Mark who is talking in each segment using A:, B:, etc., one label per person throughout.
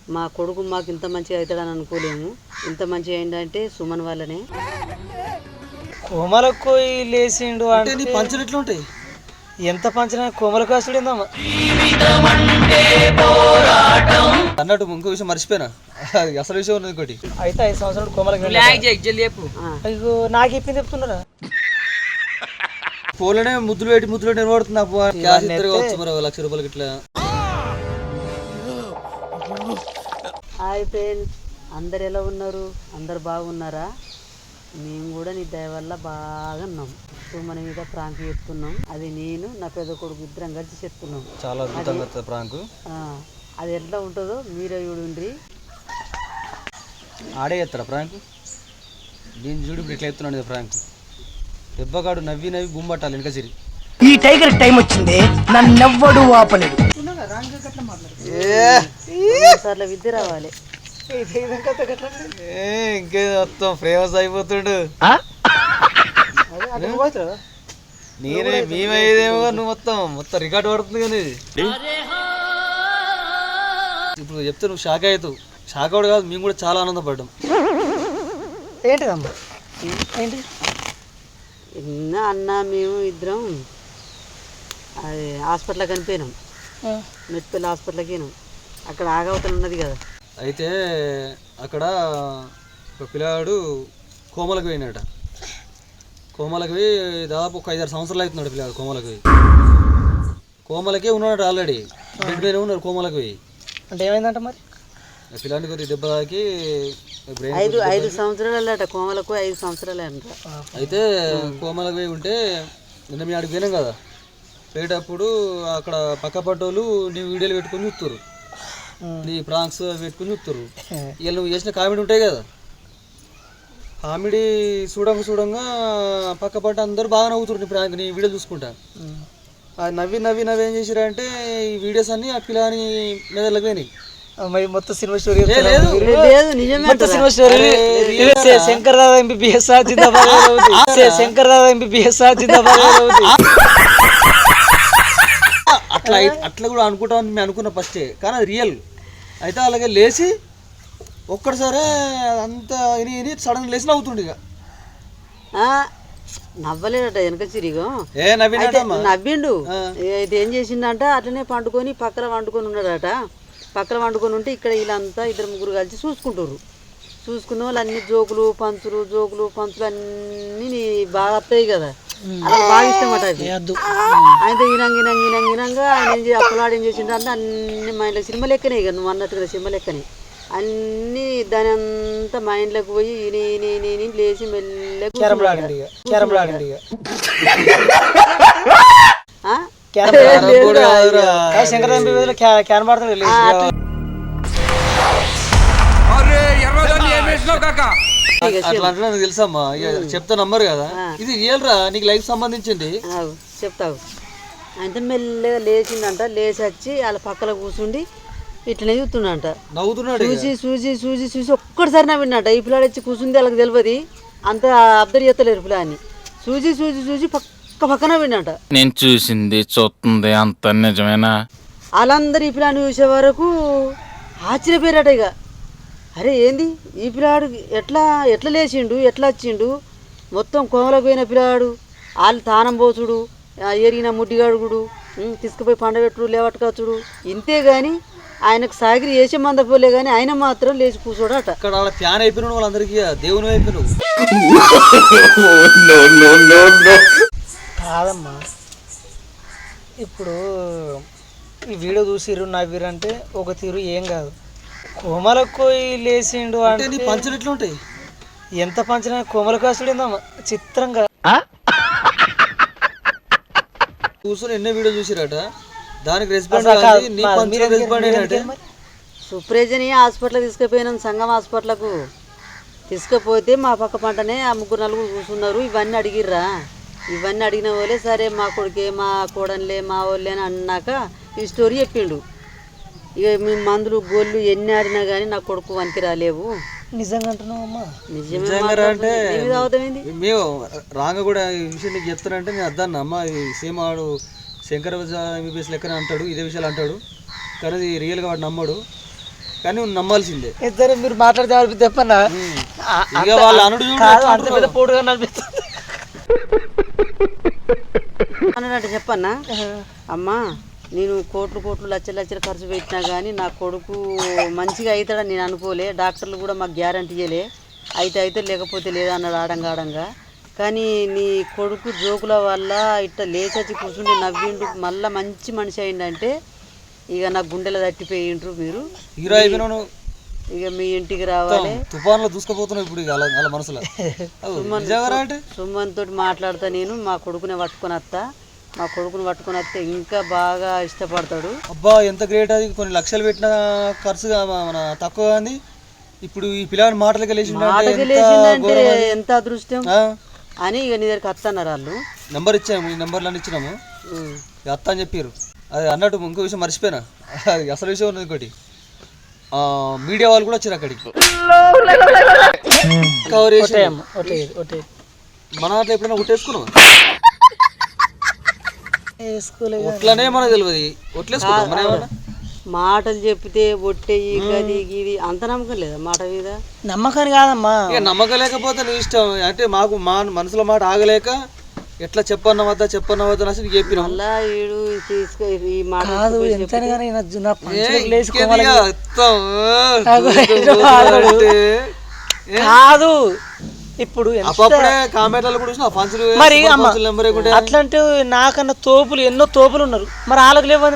A: మా కొడుకు మాకు ఇంత మంచిగా అవుతాడని అనుకోలేము. ఇంత మంచిగా ఏంటంటే సుమన్ వల్లనే.
B: కోమలకు లేచిండు అంటే నీ పంచులు ఎట్లా ఉంటాయి? ఎంత పంచిన కోమలకు వస్తుడేందమ్మా
C: అన్నట్టు ఇంకో విషయం మర్చిపోయినా, అసలు విషయం ఉన్నది ఇంకోటి.
B: అయితే 5 సంవత్సరాలు కోమలకు అయ్యో నాకు చెప్పింది చెప్తున్నారా?
C: ఫోన్లోనే ముద్దులు నిలబడుతుంది. మరి ₹1,00,000 ఇట్లా.
A: హాయ్ ఫ్రెండ్స్, అందరు ఎలా ఉన్నారు? అందరు బాగున్నారా? మేము కూడా నీ దయ వల్ల బాగా ఉన్నాం. మన మీద ప్రాంక్ చెప్తున్నాం. అది నేను నా పెద్ద కొడుకు ఇద్దరం కలిసి చెప్తున్నాం.
C: చాలా అద్భుతంగా ప్రాంక్.
A: అది ఎట్లా ఉంటుందో మీరే చూడండి.
C: ఆడే చేస్తాడా ప్రాంక్? దీన్ని చూడు ఇప్పుడు ఎట్లా చెప్తున్నాడు ప్రాంక్. దెబ్బగాడు నవ్వి గుమ్మట్టాలి వెనక సిరి.
B: ఈ టైగర్ టైం వచ్చింది, నన్నెవ్వడు ఆపలేడు.
A: విద్య రావాలి.
C: ఇంకే మొత్తం ఫేమస్ అయిపోతుడు. నేనే మేమేదేమో నువ్వు మొత్తం రికార్డు పడుతుంది కానీ ఇప్పుడు చెప్తే నువ్వు షాక్ అవుతావు. షాక్ అవడు కాదు, మేము కూడా చాలా ఆనందపడ్డాం.
B: ఏంటిదమ్మా ఏంటి
A: అన్న మేము ఇద్దరం అది హాస్పిటల్కి కనిపోయినాం. మెట్పల్లి హాస్పిటల్కి పోయినాం. అక్కడ ఆగవతలు ఉన్నది కదా.
C: అయితే అక్కడ ఒక పిల్లాడు కోమలకు పోయినట. కోమలకు పోయి దాదాపు ఒక 5-6 సంవత్సరాలు అవుతున్నాడు పిల్లాడు కోమలకు పోయి. కోమలకే ఉన్నాడు ఆల్రెడీ, బెడ్ మీద ఉన్నారు కోమలకు పోయి.
B: అంటే ఏమైందంట మరి?
C: పిల్లాడికి కొద్దిగా దెబ్బ తాకి
A: 5 సంవత్సరాలు అట. కోమలకు 5 సంవత్సరాలు అంట.
C: అయితే కోమలకు పోయి ఉంటే నిన్న మీ ఆడికి పోయినాం కదా. పోయేటప్పుడు అక్కడ పక్క పట్టోళ్ళు నీ వీడియోలు పెట్టుకొని చూస్తారు, నీ ప్రాంక్స్ పెట్టుకుని చూస్తారు. ఇవాళ నువ్వు చేసిన కామెడీ ఉంటాయి కదా, కామెడీ చూడంగా పక్క పట్ట అందరూ బాగా నవ్వుతారు నీ ప్రాంక్, నీ వీడియో చూసుకుంటా. నవ్వి ఏం చేసిరంటే ఈ వీడియోస్ అన్ని ఆ పిల్లని మెదళ్ళకి పోయినాయి.
B: మొత్తం cinema story
A: cinema story.
B: Shankar Dada MBBS జిందాబాద్, శంకర్ దాదా ఎంబీబీఎస్ జిందాబాద్.
C: అట్లా కూడా అనుకుంటామని మేము అనుకున్న ఫస్టే, కానీ అది రియల్. అయితే అలాగే లేచి ఒక్కడిసారే అంతా ఇని సడన్ లేచి నవ్వుతుండే. ఇక
A: నవ్వలేడట వెనక చిరిగో
C: నవ్విండు.
A: అయితే ఏం చేసిండంట, అట్లనే వండుకొని ఉన్నాడట. పక్కన వండుకొని ఉంటే ఇక్కడ వీళ్ళంతా 2-3 కలిసి చూసుకున్న వాళ్ళు అన్ని జోకులు పంచులు అన్నీ బాగా వస్తాయి కదా. అలా బాగా ఇష్టం అట. అయితే ఈనంగా ఆయన అప్పలాడు ఏం చేసిండంటే అన్ని మైండ్లో సినిమా లెక్కనే. ఇక నువ్వు అన్నట్టుగా సినిమా లెక్కనే అన్నీ దాని అంతా మైండ్లోకి పోయి ఈయన లేచి మెల్లగా
C: అట్లా తెలుసమ్మా. చెప్తా నంబర్ కదా, ఇది రియల్ రా, నీకు లైఫ్ సంబంధించింది.
A: చెప్తావు. అయితే మెల్లగా లేచిందంట. లేచి వచ్చి వాళ్ళ పక్కన కూర్చుండి ఇట్లనే చూస్తున్నాడంట.
C: నవ్వుతున్నాడు.
A: చూసి ఒక్కటిసారి నవ్విందంట. ఈ పిల్లాడు వచ్చి కూర్చుంది వాళ్ళకి తెలియదు, అంత అబ్జర్వ్ చేస్తలేరు పిల్లాన్ని. చూసి పక్కన విన్నాట.
D: నేను చూసింది చూస్తుంది అంత నిజమేనా?
A: వాళ్ళందరూ ఈ పిల్లాన్ని చూసే వరకు ఆశ్చర్యపోయారట. ఇక అరే ఏంది ఈ పిల్లాడు ఎట్లా లేచిండు, ఎట్లా వచ్చిండు? మొత్తం కోమలకు పోయిన పిల్లాడు, వాళ్ళు తానం పోచుడు, ఎరిగిన ముడ్డిగాడుగుడు, తీసుకుపోయి పండబెట్టుడు, లేవట్టుకొచ్చుడు, ఇంతే కానీ ఆయనకు సాగిరి వేసే మందపోలే కానీ ఆయన మాత్రం లేచి కూర్చోడట.
C: అక్కడ వాళ్ళ ఫ్యాన్ అయిపోయిన వాళ్ళందరికీ దేవుని అయిపోయినావు.
B: కాదమ్మా, ఇప్పుడు ఈ వీడియో చూసిర్రు నవ్విరంటే ఒక తీరు ఏం కాదు. కోమలకు లేచిండు అంటే
C: నీ పంచులు ఎట్లా ఉంటాయి?
B: ఎంత పంచినా కోమలకు వస్తుడేందమ్మా చిత్రంగా.
C: కూర్చొని ఎన్నో వీడియో చూసిరట, దానికి రెస్పాండ్
A: సుప్రేజని హాస్పిటల్ తీసుకుపోయినాం. సంగం హాస్పిటల్కు తీసుకుపోతే మా పక్క పంటనే ఆ 3-4 కూర్చున్నారు. ఇవన్నీ అడిగిర్రా. ఇవన్నీ అడిగిన వాళ్ళే సరే మా కొడుకే, మా కోడన్లే, మా వాళ్ళే అని అన్నాక ఈ స్టోరీ చెప్పిండు. ఇక మీ మందులు గోళ్ళు ఎన్ని ఆడినా కానీ నా కొడుకు వనికి రాలేవు.
B: నిజంగా అంటున్నావమ్మా?
C: అంటే మేము రాంగ కూడా ఈ విషయం నీకు చెప్తానంటే నేను అద్దన్న అమ్మ సేమ్ ఆడు శంకర్ ఎంబీబీఎస్ లెక్కనే అంటాడు, ఇదే విషయాలు అంటాడు, కానీ అది రియల్గా వాడు నమ్మడు. కానీ నువ్వు నమ్మాల్సిందే.
B: ఇద్దరు మీరు మాట్లాడితే అనిపిస్తే చెప్పన్నా
C: ఇక వాళ్ళ అనుడు చూడు
B: కాదు అంత పెద్ద పోటుగా అనిపిస్తుంది.
A: అన్నట్టు చెప్పన్నా, అమ్మా నేను కోట్లు లక్షలు ఖర్చు పెట్టినా కానీ నా కొడుకు మంచిగా అవుతాడని నేను అనుకోలే. డాక్టర్లు కూడా మాకు గ్యారంటీ ఇవ్వలే. అయితే లేకపోతే లేదా అన్నాడు ఆడంగా. కానీ నీ కొడుకు జోకుల వల్ల ఇట్లా లేచచ్చి కూర్చుండి నవ్విండు, మళ్ళీ మంచి మనిషి అయిందంటే ఇక నాకు గుండెలో తట్టిపోయిండ్రు మీరు.
C: హీరో అయిపోయినావు.
A: ఇక మీ ఇంటికి రావాలి.
C: తుఫాన్లో దూసుకుపోతున్నావు ఇప్పుడు ఇక అలా మనసులో.
A: సుమన్ తోటి మాట్లాడతా నేను. మా కొడుకుని పట్టుకొని వస్తే ఇంకా బాగా ఇష్టపడతాడు.
C: అబ్బా ఎంత గ్రేట్ అది. కొన్ని లక్షలు పెట్టిన ఖర్చుగా మన తక్కువ అంది. ఇప్పుడు ఈ పిల్లాడి మాటలకి
A: లేచిందంటే ఎంత అదృష్టం అని ఇక నీ దగ్గరికి వస్తున్నారు వాళ్ళు.
C: నెంబర్ ఇచ్చాము, ఈ నెంబర్లన్నీ ఇచ్చినాము. అత్త అని చెప్పారు. అది అన్నట్టు ఇంకో విషయం మర్చిపోయినా, అది అసలు విషయం ఉన్నది ఇంకోటి. మీడియా వాళ్ళు కూడా వచ్చారు అక్కడికి. కవర్ చేసి మన దాంట్లో ఎప్పుడైనా ఒట్టేసుకున్నాం. ఒట్లనే మనకు తెలియదు. ఒట్లేసుకున్నాం మన ఏమన్నా
A: మాటలు చెప్తే ఒట్టేయి గది గిది అంత నమ్మకం లేదా మాట మీద?
B: నమ్మకాన్ని కాదమ్మా,
C: ఇక నమ్మకం లేకపోతే నీ ఇష్టం. అంటే మాకు మా మనసులో మాట ఆగలేక ఎట్లా చెప్పన్నవద్దా అసలు చెప్పిన
B: కాదు. ఇప్పుడు మరి అట్లాంటి నాకన్నా తోపులు ఎన్నో తోపులు ఉన్నారు, మరి వాళ్ళకి లేవు.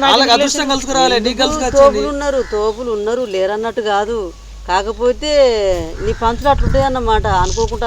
A: తోపులు ఉన్నారు లేరన్నట్టు కాదు. కాకపోతే నీ పంచులు అట్లుంటాయి అన్నమాట. అనుకోకుండా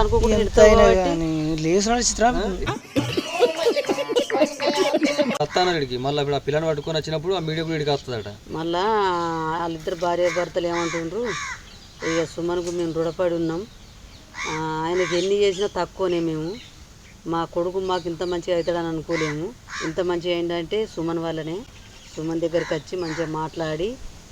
C: అత్తానడికి మళ్ళీ ఇప్పుడు ఆ పిల్లని పట్టుకొని వచ్చినప్పుడు ఆ మీడియా కూడా వస్తుందట.
A: మళ్ళా వాళ్ళిద్దరు భార్య భర్తలు ఏమంటుండ్రు, ఇక సుమన్కు మేము రుణపడి ఉన్నాం, ఆయనకి ఎన్ని చేసినా తక్కువనే. మేము మా కొడుకు మాకు ఇంత మంచిగా అవుతాడని అనుకోలేము. ఇంత మంచిగా ఏంటంటే సుమన్ వల్లనే. సుమన్ దగ్గరికి వచ్చి మంచిగా మాట్లాడి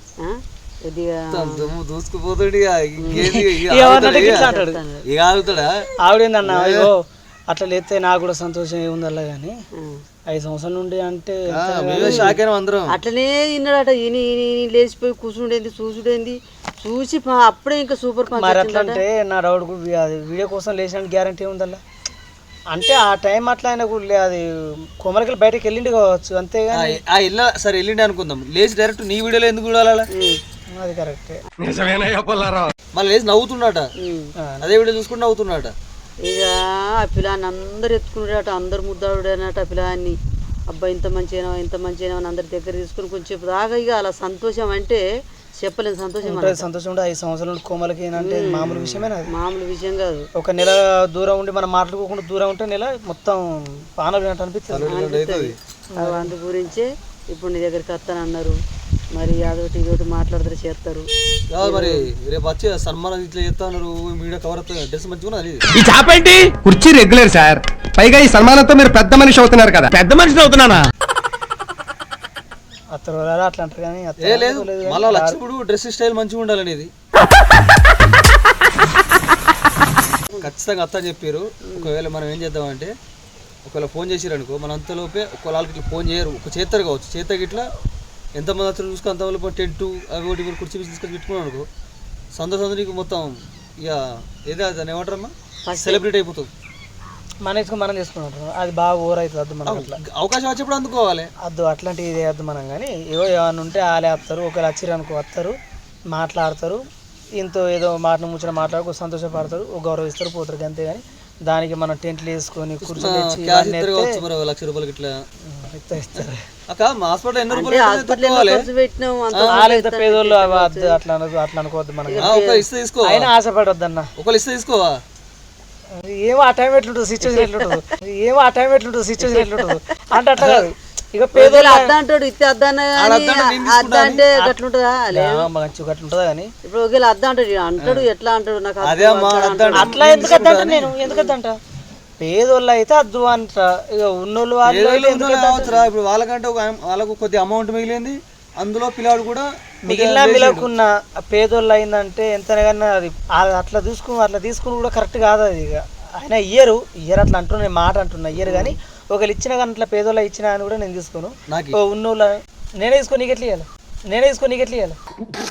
B: ఆవిడేందన్నా అయ్యో అట్లా లేతే నాకు కూడా సంతోషం ఏముందల్లా కానీ 5 సంవత్సరాల నుండి అంటే
A: అట్లనే తిన్నాడట. లేచిపోయి కూర్చుండేది చూసుడేంది చూసి అప్పుడే ఇంకా సూపర్.
B: మరి అట్లా అంటే నా డౌట్ అది వీడియో కోసం లేచిన గ్యారంటీ ఉందల్లా. అంటే ఆ టైం అట్లా ఆయన కూడా అది కొమరకలు బయటకు వెళ్ళిండి కావచ్చు అంతేగాని
C: సరే వెళ్ళిండి అనుకుందాం. లేచి డైరెక్ట్ నీ వీడియోలో ఎందుకు చూడాలా?
B: అది కరెక్టే.
C: మళ్ళీ లేచి నవ్వుతున్నాట, అదే వీడియో చూసుకుంటూ నవ్వుతున్నాట.
A: ఇక ఆ పిల్లాన్ని అందరు ఎత్తుకున్నాడట, అందరు ముద్దాడుడనట ఆ పిల్లాన్ని. అబ్బాయి ఇంత మంచిగా అని అందరి దగ్గర తీసుకుని కొంచెం దాకా ఇక అలా సంతోషం అంటే చెప్పలేను. సంతోషం
B: 5 సంవత్సరాల కోమలకి అంటే మామూలు విషయమేనా?
A: మామూలు విషయం కాదు.
B: ఒక నెల దూరం ఉండి మనం మాట్లాడుకోకుండా దూరం ఉంటే నెల మొత్తం పానలు అనిపిస్తుంది.
A: అందు గురించే ఇప్పుడు నీ దగ్గరికి వస్తానన్నారు. మరి అదొకటి ఇదొకటి మాట్లాడతారు చేస్తారు.
C: మరి రేపు వచ్చి సన్మానం ఇట్లా చేస్తాను, మీడియా కవర్ డ్రెస్ మంచిగా
E: ఈ చాపేంటి కుర్చీ రెగ్యులర్ సార్. పైగా ఈ సన్మానంతో మీరు పెద్ద మనిషి అవుతున్నారు కదా. పెద్ద మనిషి అవుతున్నానా?
B: అట్లా అంటారు కానీ
C: లేదు. మళ్ళీ వచ్చినప్పుడు డ్రెస్ స్టైల్ మంచిగా ఉండాలనేది ఖచ్చితంగా అత్త చెప్పారు. ఒకవేళ మనం ఏం చేద్దామంటే, ఒకవేళ ఫోన్ చేసారు అనుకో, మన అంతలోపే ఒకవేళ ఇట్లా ఫోన్ చేయరు, ఒక చేస్తారు కావచ్చు, చేతకి ఇట్లా ఎంతమంది అతను చూసుకో అంతవరకు టెంట్ అవి ఒకటి మీరు కుర్చీ తీసుకొని పెట్టుకున్నాను అనుకో, సంతోషం నీకు మొత్తం ఇక ఏదో దాన్ని ఏమంటారమ్మా సెలబ్రేట్ అయిపోతుంది.
B: మనం చేసుకున్నాం అది బాగా ఓవర్ అవుతుంది. అద్దు మనం అట్లా
C: అవకాశం వచ్చినప్పుడు అందుకోవాలి.
B: అద్దు అట్లాంటివి ఇదే వద్దు మనం. కానీ ఏమన్నా ఉంటే వాళ్ళే వస్తారు, ఒకవేళ వచ్చిరు అనుకో వస్తారు, మాట్లాడతారు, ఇంతో ఏదో మాటను ముచ్చిన మాట్లాడుకో సంతోషపడతారు, గౌరవిస్తారు, పోతారు. అంతేగాని దానికి మనం టెంట్లు వేసుకొని కూర్చొని
C: ₹1,00,000 ఇట్లా
B: ఇస్తారు. పేదోళ్ళు అట్లా అనుకోవద్దు మనం. అయినా ఆశపడొద్దు అన్న. ఏమో ఆ టైం ఎట్లుంటుంది సిచ్యువేషన్ ఎట్లుంటుంది అంటే అట్లా కాదు. ఇక పేదోళ్ళు
A: అద్దంటాడు ఇస్తే అద్దంటే గట్లుంటుందా?
B: గట్లుంటుందా కానీ
A: ఇప్పుడు ఒకవేళ అద్దంటాడు అంటాడు ఎట్లా అంటాడు నాకు
B: అట్లా ఎందుకు అద్దంట? నేను ఎందుకు అద్దంట? పేదోళ్ళు అయితే అద్దు అంట. ఇక ఉన్నోళ్ళు
C: ఇప్పుడు వాళ్ళకంటే వాళ్ళకు కొద్ది అమౌంట్ మిగిలింది, అందులో పిల్లాడు కూడా
B: మిగిలిన పేదోళ్ళు అయిందంటే ఎంతనైనా అది అట్లా తీసుకుని కూడా కరెక్ట్ కాదు. అది ఇక ఆయన ఇయ్యరు అట్లా అంటున్నా, మాట అంటున్నా ఇయ్యరు. కానీ ఒకళ్ళు ఇచ్చిన కానీ అట్లా పేదోళ్ళు ఇచ్చిన అని కూడా నేను తీసుకోను. ఉన్నోళ్ళు నేనే తీసుకొని నీకు ఎట్లా ఇవ్వాలి? నేనే తీసుకొని నీకు ఎట్లా ఇవ్వాలి?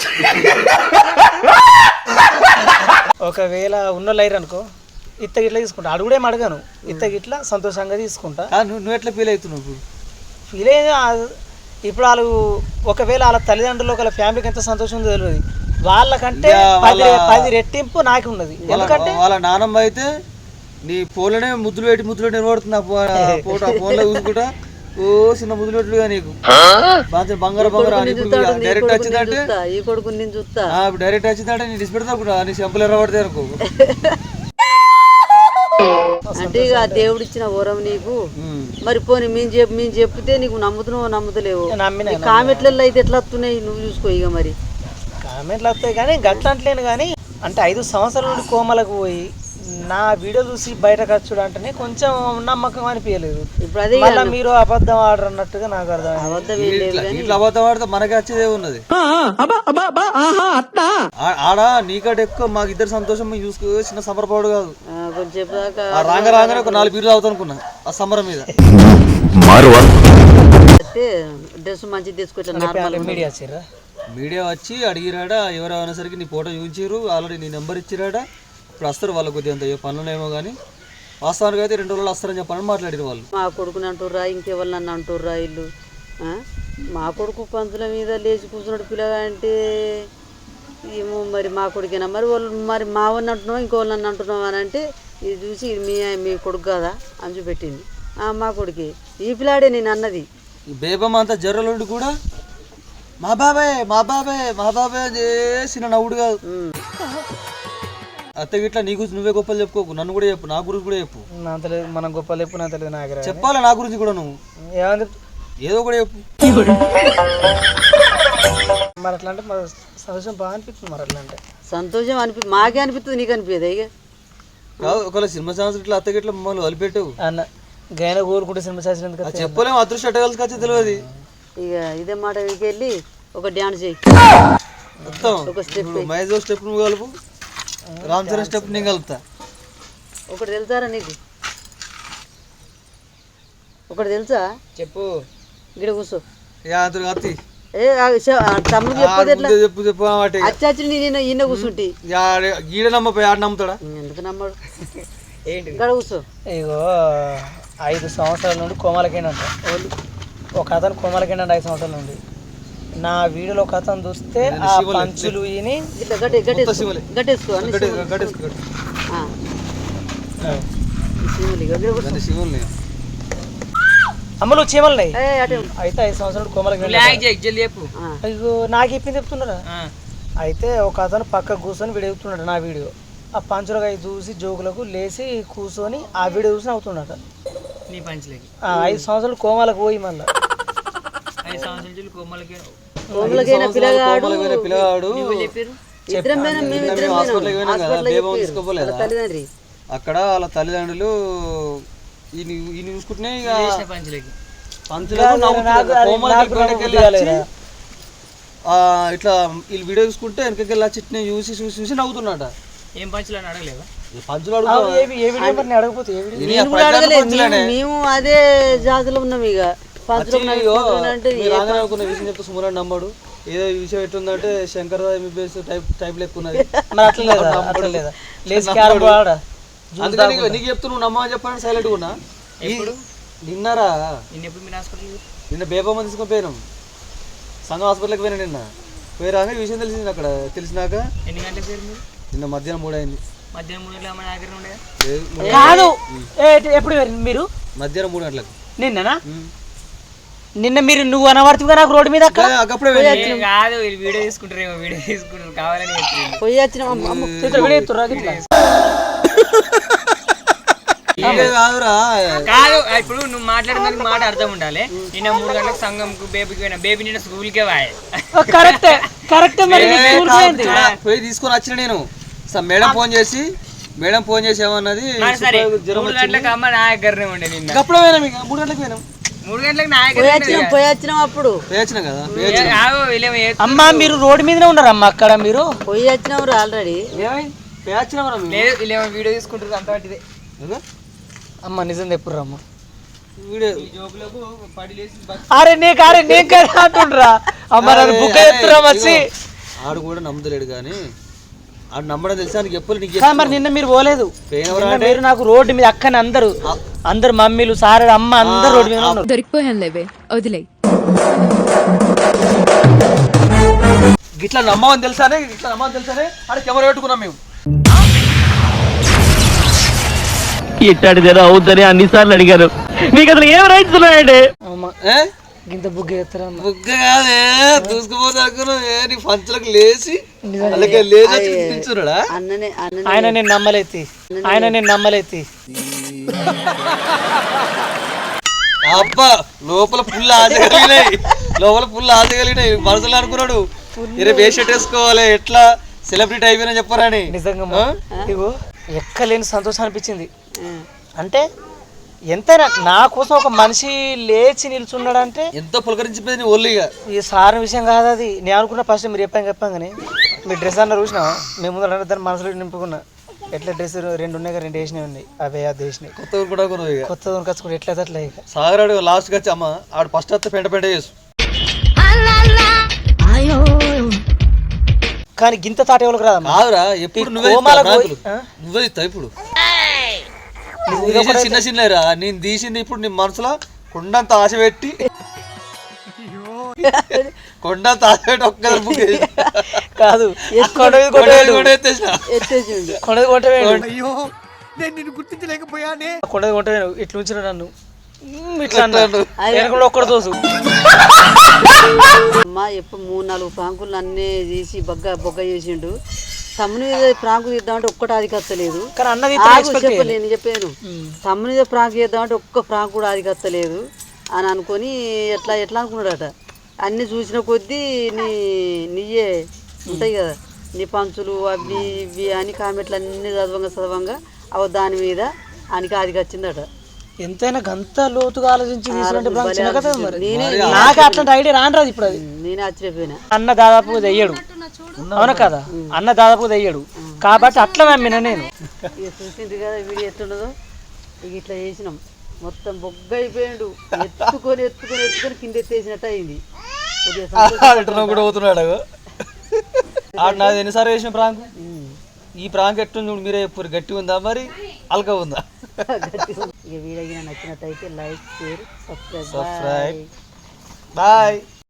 B: ఒకవేళ ఉన్నోళ్ళు అయ్యారు అనుకో ఇత్త గిట్లా తీసుకుంటా, అడుగుడే అడగాను, ఇత్త గిట్లా సంతోషంగా తీసుకుంటా.
C: నువ్వు ఎట్లా ఫీల్ అవుతున్నావు?
B: ఫీల్ అయ్యేది ఇప్పుడు వాళ్ళు ఒకవేళ వాళ్ళ తల్లిదండ్రులు వాళ్ళ ఫ్యామిలీకి ఎంత సంతోషం ఉందో తెలియదు, వాళ్ళకంటే 10 రెట్టింపు నాకు ఉన్నది. ఎందుకంటే
C: వాళ్ళ నానమ్మ అయితే నీ ఫోన్లోనే ముద్దులు పెట్టి నిలబడుతుంది. ఫోటో ఫోన్లో చూసుకుంటా ఓ చిన్న ముద్దులు పెట్టుగా నీకు బంగారు డైరెక్ట్ వచ్చిందంటే
A: ఈ కొడుకు నేను చూస్తా
C: డైరెక్ట్ వచ్చిందంటే నీ డిస్పెడతా కూడా నీ చెంపలు ఎర్రబడితే అనుకో.
A: అంటే ఇక దేవుడు ఇచ్చిన వరం నీకు. మరి పోనీ మేము చెప్తే నీకు నమ్ముతున్నావు నమ్ముతలేవు. కామెంట్లలో అయితే ఎట్లా వస్తున్నాయి నువ్వు చూసుకో. ఇక మరి
B: కామెంట్లు వస్తాయి కానీ గట్ల అంటలేను కానీ, అంటే 5 సంవత్సరాల నుండి కోమలకు పోయి నా వీడియో చూసి బయట ఖర్చుడు అంటేనే కొంచెం నమ్మకం అనిపించలేదు. ఇప్పుడు అదే మళ్ళీ మీరు అబద్ధం ఆడరు అన్నట్టుగా నాకు అర్థం.
C: అబద్ధం ఆడితే మనకి వచ్చేదే ఉన్నది. ఆడ నీకంటే ఎక్కువ మాకు ఇద్దరు సంతోషం చూసుకో, చిన్న సంబరపడు కాదు. రాగానే ఒక 4 బీర్లు అవుతా అనుకున్నా ఆ సంబరం మీద.
A: డ్రెస్ మంచిగా తీసుకొచ్చాను.
C: మీడియా వచ్చి అడిగిరాడా, ఎవరు అనేసరికి నీ ఫోటో చూపించారు, ఆల్రెడీ నీ నెంబర్ ఇచ్చిరాడా. ఇప్పుడు వస్తారు వాళ్ళు కొద్దిగా అంత పనులేమో కానీ వాస్తవానికి అయితే 2 రోజులు వస్తారని చెప్పని మాట్లాడారు వాళ్ళు.
A: మా కొడుకుని అంటుర్రా ఇంకెవరు నన్ను అంటుర్రా ఇల్లు. మా కొడుకు పంతుల మీద లేచి కూర్చున్నాడు పిల్లగా అంటే ఏమో మరి మా కొడుకేనా మరి వాళ్ళు మరి మా వాళ్ళని అంటున్నావు ఇంకోళ్ళని నన్ను అంటున్నావు అని అంటే ఇది చూసి మీ కొడుకు కదా అని చూపెట్టింది. మా కొడుకే ఈ పిల్లాడే నేను అన్నది.
C: ఈ బేబమ్మ అంతా జర్రలుండి కూడా మా బాబాయ్ చేసిన నవ్వుడు కాదు. అత్త గిట్లా నీ గురించి నువ్వే గొప్పలు చెప్పుకోకు, నన్ను కూడా చెప్పు, నా గురించి కూడా చెప్పు.
B: మనం గొప్పలు చెప్పు, నా తెలియదు నాకు
C: చెప్పాలి నా గురించి కూడా. నువ్వు ఏదో కూడా చెప్పు.
B: మరి అట్లా అంటే సంతోషం బాగా అనిపిస్తుంది. మరి అట్లా అంటే
A: సంతోషం మాకే అనిపిస్తుంది, నీకు అనిపించదు. ఇక
C: ఒకవేళ సినిమా ఛాన్స్ ఇట్లా అత్త గిట్లా మమ్మల్ని వదిలిపెట్టావు
B: అన్న గైన కోరుకుంటే సినిమా ఛాన్స్
C: చెప్పలేము. అదృష్టం ఎట్టగలిసి వచ్చి తెలియదు.
A: ఇక ఇదే మాట వెళ్ళి ఒక డ్యాన్స్ చేయి, ఒక స్టెప్
C: మైజో స్టెప్ నువ్వు కలుపు, రామ్ చరణ్ స్టెప్ నేను కలుపుతా.
A: ఒకటి తెలుసారా నీకు? ఒకటి తెలుసా?
B: చెప్పు.
A: గిడ కూర్చో. తమ్ముడు
C: చెప్పు చెప్పు
A: అచ్చి నేను ఈయన కూర్చుంటి
C: గీడ నమ్మపోయి ఆడ నమ్ముతాడా?
A: ఎందుకు నమ్మడు? ఇక్కడ కూర్చో.
B: ఇగో 5 సంవత్సరాల నుండి కోమలకేనంట ఒక అతను కోమలకేనండి 5 సంవత్సరాల నుండి. నా వీడియోలో ఒక అతను చూస్తే ఆ పంచులు ఈని
A: గట్టేసుకో
B: అమ్మలు చీమలు అయితే 5 సంవత్సరాలు కోమలకి. అయ్యో నాకు చెప్పింది చెప్తున్నారా? అయితే ఒక అతను పక్క కూర్చొని వీడియో చెప్తున్నాడు నా వీడియో. ఆ పంచులకు అవి చూసి జోకులకు లేచి కూర్చొని ఆ వీడియో చూసి నవ్వుతున్నాడు. 5 సంవత్సరాలు కోమలకు పోయి మళ్ళీ
C: 5 సంవత్సరాలు పిల్లగాడు అక్కడ వాళ్ళ తల్లిదండ్రులు ఈయన చూసుకుంటే ఇట్లా వీళ్ళు వీడియో చూసుకుంటే వెనకకెళ్ళి చిట్నే చూసి చూసి చూసి నవ్వుతున్నాడ.
B: ఏం పంచులు అని అడగలేవా?
C: పంచులు
A: మేము అదే జాతిలో ఉన్నాం. ఇక
C: అనుకున్న విషయం చెప్తే సుమరాడు నమ్మడు. ఏదో విషయం ఎట్లుందంటే శంకర్ ఎంబీబీఎస్ టైప్ లెక్కున్నది. అందుకని నీకు చెప్తూ నువ్వు నమ్మని చెప్పాలని సైలెంట్ ఉన్నా. నిన్నరా నిన్న బేబమ్మ తీసుకొని పోయినాం, సంఘం హాస్పిటల్కి పోయినా. నిన్న పోయిరాక ఈ విషయం తెలిసింది. అక్కడ తెలిసినాక నిన్న మధ్యాహ్నం 3 అయింది.
B: ఎప్పుడు మీరు?
C: మధ్యాహ్నం 3 గంటలకు.
B: నిన్ననా? నిన్న మీరు నువ్వు అనవాడుతుగా నాకు రోడ్డు మీద వీడియో తీసుకుంటారేమో, వీడియో తీసుకుంటారు కావాలని
A: పోయి వచ్చిన
B: కాదు. ఇప్పుడు నువ్వు మాట్లాడడానికి మాట అర్థం ఉండాలి. నిన్న 3 గంటలకు సంఘంకు బేబీకి పోయినా, బేబీ నిన్న స్కూల్కే
C: పోయి తీసుకొని వచ్చిన. నేను మేడం ఫోన్ చేసి ఏమన్నది
B: 3 గంటలకు అమ్మ నా దగ్గరనే ఉండే. నిన్న
C: అప్పుడే పోయినాం. ఇక 3 గంటలకు పోయినాం.
B: 3 గంటలకు నా దగ్గర
A: పోయి వచ్చినాం. అప్పుడు
C: పోయొచ్చినాం కదా.
B: అమ్మా మీరు రోడ్డు మీదనే ఉన్నారమ్మా అక్కడ. మీరు
A: పోయి వచ్చినాం ఆల్రెడీ.
B: వీడియో తీసుకుంటారు అంత. అమ్మ నిజం ఎప్పుడు రమ్మ
C: వీడియో
B: అరే నీకు అంటుండ్రా అమ్మ నన్ను బుక్ ఎత్తురా వచ్చి
C: ఆడు కూడా నమ్మలేడు కానీ ఆడు నమ్మడం తెలుసా నీకు ఎప్పుడు నీకు
B: కానీ మరి నిన్న మీరు పోలేదు నిన్న మీరు నాకు రోడ్డు మీద అక్కని అందరు మమ్మీలు సార్ అమ్మ అందరు రోడ్డు మీద ఉన్నారు
F: దొరికిపోయాను లేవే వదిలే
C: ఇట్లా నమ్మని తెలుసానే ఆడ కెమెరా పెట్టుకున్నాం మేము
G: ఇట్టాడిదేదో అవుద్దని అన్నిసార్లు అడిగారు మీకు అసలు ఏం రైట్స్ ఉన్నాయండి
B: ఇంత బుక్ ఎత్తరా
C: బుగ్గ కాదే దూసుకుపోతే అనుకున్నావు నీ పంచులకు లేచి అలాగే లేచి వచ్చి నిల్చున్నాడా
A: అన్ననే
B: ఆయన నేను నమ్మలేతి
C: అబ్బా లోపల ఫుల్ ఆశ కలిగినాయి మనసులో అనుకున్నాడు ఇరే వేషెట్ వేసుకోవాలి ఎట్లా సెలబ్రిటీ అయిపోయినా చెప్పరాని
B: నిజంగా ఇగో ఎక్కలేని సంతోషం అనిపించింది అంటే ఎంతైనా నా కోసం ఒక మనిషి లేచి నిల్చున్నాడంటే
C: ఎంతో పులకరించిపోయింది ఓన్లీగా
B: ఈ సార్ విషయం కాదు అది నేను అనుకున్న ఫస్ట్ మీరు చెప్పాం కానీ మీ డ్రెస్ అన్న చూసినా మేము ముందు దాన్ని మనసులో నింపుకున్నా ఎట్లా డ్రెస్ 2 ఉన్నాయి 2 వేసినవి ఉన్నాయి అవే అది వేసినాయి
C: కొత్త కూడా
B: కొత్త కొనుకొచ్చుకుంటే ఎట్లా అట్లా ఇక
C: సాగరాడు లాస్ట్కి వచ్చి అమ్మ ఆడు ఫస్ట్ వస్తే పెంట చేసు
B: కానీ గింత తాట ఎవరికి రాదమ్మా
C: కాదురా ఎప్పుడు నువ్వే ఇస్తావు ఇప్పుడు చిన్నరా నేను తీసింది ఇప్పుడు నీ మనసులో కొండంత ఆశ పెట్టి ఒక్క
B: కాదు కొండది ఇట్లా ఉంచిన నన్ను ఇట్లా అన్నాడు ఒక్కడు తోసు
A: అమ్మ ఎప్పుడు 3-4 ప్రాంకులు అన్నీ తీసి బొగ్గ చేసిండు తమ్ముని మీద ప్రాంకు తీద్దామంటే ఒక్కటి అది కత్తలేదు చెప్పలేను చెప్పాను తమ్ముని మీద ప్రాంకు చేద్దామంటే ఒక్క ప్రాంకు కూడా అది కత్తలేదు అని అనుకొని ఎట్లా అనుకున్నాడట అన్ని చూసిన కొద్దీ నీయే ఉంటాయి కదా నీ పంచులు అవి ఇవి అని కామెంట్లు అన్ని చదవంగా అవ దాని మీద ఆయనకి అది వచ్చిందట
B: ఎంతైనా గంత లోతుగా ఆలోచించి నాకు అట్లాంటి ఐడియా రాదు ఇప్పుడు అది
A: నేనే ఆశ్చర్యపోయినా
B: అన్న దాదాపుగా తెయ్యడు అవునా కదా అన్న దాదాపుగా తెయ్యడు కాబట్టి అట్లా నమ్మిన నేను
A: ఇక చూసింది కదా వీడియో ఎట్లున్నదో ఇక ఇట్లా చేసినాం మొత్తం బొగ్గ అయిపోయాడు ఎత్తుకొని కింద ఎత్తేసినట్టు అయింది
C: కూడా పోతున్నాడు నాది ఎన్నిసార్లు వేసిన ప్రాంక్ ఈ ప్రాంక్ ఎట్టుంది మీరే ఎప్పుడు గట్టి ఉందా మరి అల్కా ఉందా
A: ఇక వీడియో నచ్చినట్టయితే లైక్ షేర్ సబ్స్క్రైబ్
C: బాయ్